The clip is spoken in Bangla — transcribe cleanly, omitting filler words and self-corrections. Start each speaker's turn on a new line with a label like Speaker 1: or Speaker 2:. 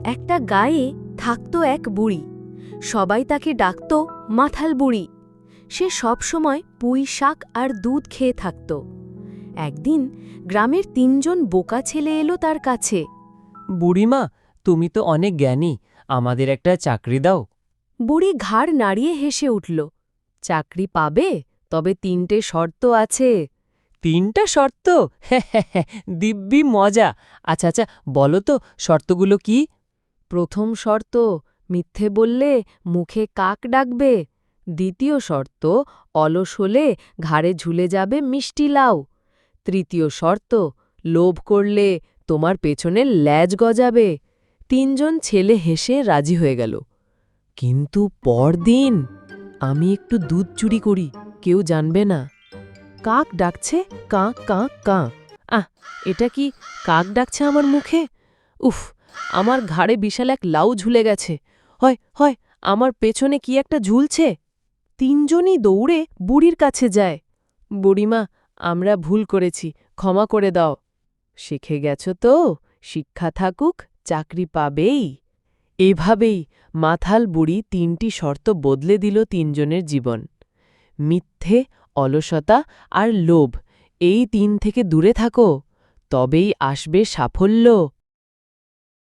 Speaker 1: একটা গায়ে থাকত এক বুড়ি। সবাই তাকে ডাকত মাথাল বুড়ি। সে সবসময় পুঁই শাক আর দুধ খেয়ে থাকত। একদিন গ্রামের ৩জন বোকা ছেলে এলো তার কাছে।
Speaker 2: বুড়িমা, তুমি তো অনেক জ্ঞানী, আমাদের একটা চাকরি দাও।
Speaker 1: বুড়ি ঘাড় নাড়িয়ে হেসে উঠল। চাকরি পাবে, তবে ৩টে শর্ত আছে।
Speaker 2: ৩টা শর্ত? দিব্যি মজা। আচ্ছা আচ্ছা, বলো তো শর্তগুলো কি?
Speaker 1: প্রথম শর্ত, মিথ্যে বললে মুখে কাক ডাকবে। দ্বিতীয় শর্ত, অলস হলে ঘাড়ে ঝুলে যাবে মিষ্টি লাউ। তৃতীয় শর্ত, লোভ করলে তোমার পেছনে ল্যাজ গজাবে। ৩জন ছেলে হেসে রাজি হয়ে গেল। কিন্তু পরদিন, আমি একটু দুধ চুরি করি, কেউ জানবে না। কাক ডাকছে কাঁ কাঁ কাঁ। এটা কি কাক ডাকছে আমার মুখে? উফ, আমার ঘাড়ে বিশাল এক লাউ ঝুলে গেছে। হয় হয়, আমার পেছনে কি একটা ঝুলছে। ৩জনই দৌড়ে বুড়ির কাছে যায়। বুড়িমা, আমরা ভুল করেছি, ক্ষমা করে দাও। শিখে গেছ তো, শিক্ষা থাকুক, চাকরি পাবেই। এভাবেই মাথাল বুড়ি ৩টি শর্ত বদলে দিল ৩জনের জীবন। মিথ্যে, অলসতা আর লোভ, এই ৩ থেকে দূরে থাকো, তবেই আসবে সাফল্য।